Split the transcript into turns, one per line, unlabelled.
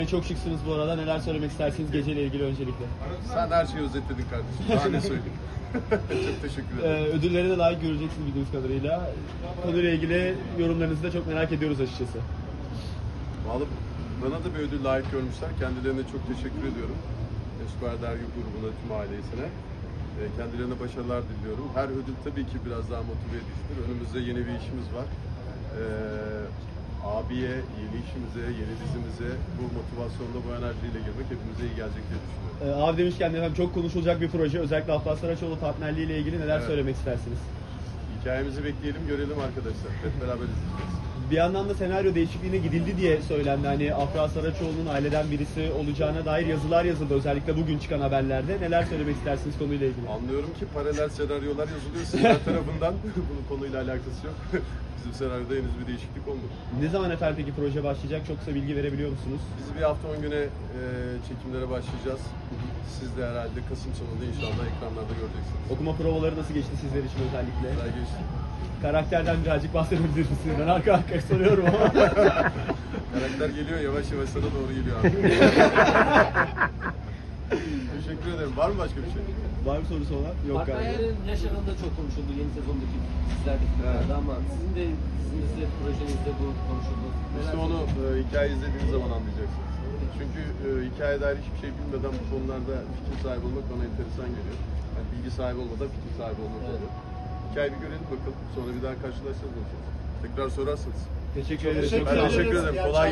Çok şıksınız bu arada. Neler söylemek istersiniz geceyle ilgili öncelikle?
Sen her şeyi özetledin kardeşim. Daha ne söyleyeyim? Çok teşekkür ederim.
Ödülleri de layık göreceksiniz bildiğiniz kadarıyla. Konuyla ilgili yorumlarınızı da çok merak ediyoruz açıkçası.
Vallahi bana da bir ödül layık görmüşler. Kendilerine çok teşekkür ediyorum. Esquire Dergi grubuna, tüm ailesine. Kendilerine başarılar diliyorum. Her ödül tabii ki biraz daha motive edicidir. Önümüzde yeni bir işimiz var. Abiye, yeni işimize, yeni dizimize bu motivasyonla, bu enerjiyle girmek hepimize iyi gelecek diye düşünüyorum.
Abi demişken efendim çok konuşulacak bir proje. Özellikle Afra Saraçoğlu partnerliği ile ilgili neler söylemek istersiniz?
Hikayemizi bekleyelim, görelim arkadaşlar. Hep beraber izleyeceğiz.
Bir yandan da senaryo değişikliğine gidildi diye söylendi. Hani Afra Saraçoğlu'nun aileden birisi olacağına dair yazılar yazıldı. Özellikle bugün çıkan haberlerde. Neler söylemek istersiniz konuyla ilgili?
Anlıyorum ki paralel senaryolar yazılıyor sizler tarafından. Bunun konuyla alakası yok. Bizim senaryoda henüz bir değişiklik olmadı.
Ne zaman efendim peki proje başlayacak? Çok kısa bilgi verebiliyor musunuz?
Biz bir hafta 10 güne çekimlere başlayacağız. Siz de herhalde Kasım sonunda inşallah ekranlarda göreceksiniz.
Okuma provaları nasıl geçti sizler için özellikle?
Güzel geçti.
Karakterden birazcık bahsedebilir misiniz? Ben arka arkaya soruyorum ama.
Karakter geliyor, yavaş yavaş sana doğru geliyor abi. Teşekkür ederim. Var mı başka bir şey?
Var mı sorusu olan? Yok galiba.
Partnerlerin yaş aralığı çok konuşuldu yeni sezondaki dizilerde ama sizin de dizinizde, projenizde bu konuşuldu.
İşte onu hikaye izlediğiniz zaman anlayacaksınız. Çünkü hikaye dair hiçbir şey bilmeden bu konularda fikir sahibi olmak bana enteresan geliyor. Yani bilgi sahibi olmadan fikir sahibi olmak oluyor. Hikayeyi bir görelim bakalım. Sonra bir daha karşılaşacağız. Tekrar sorarsanız.
Teşekkür ederim.
Ben teşekkür ederim. Kolay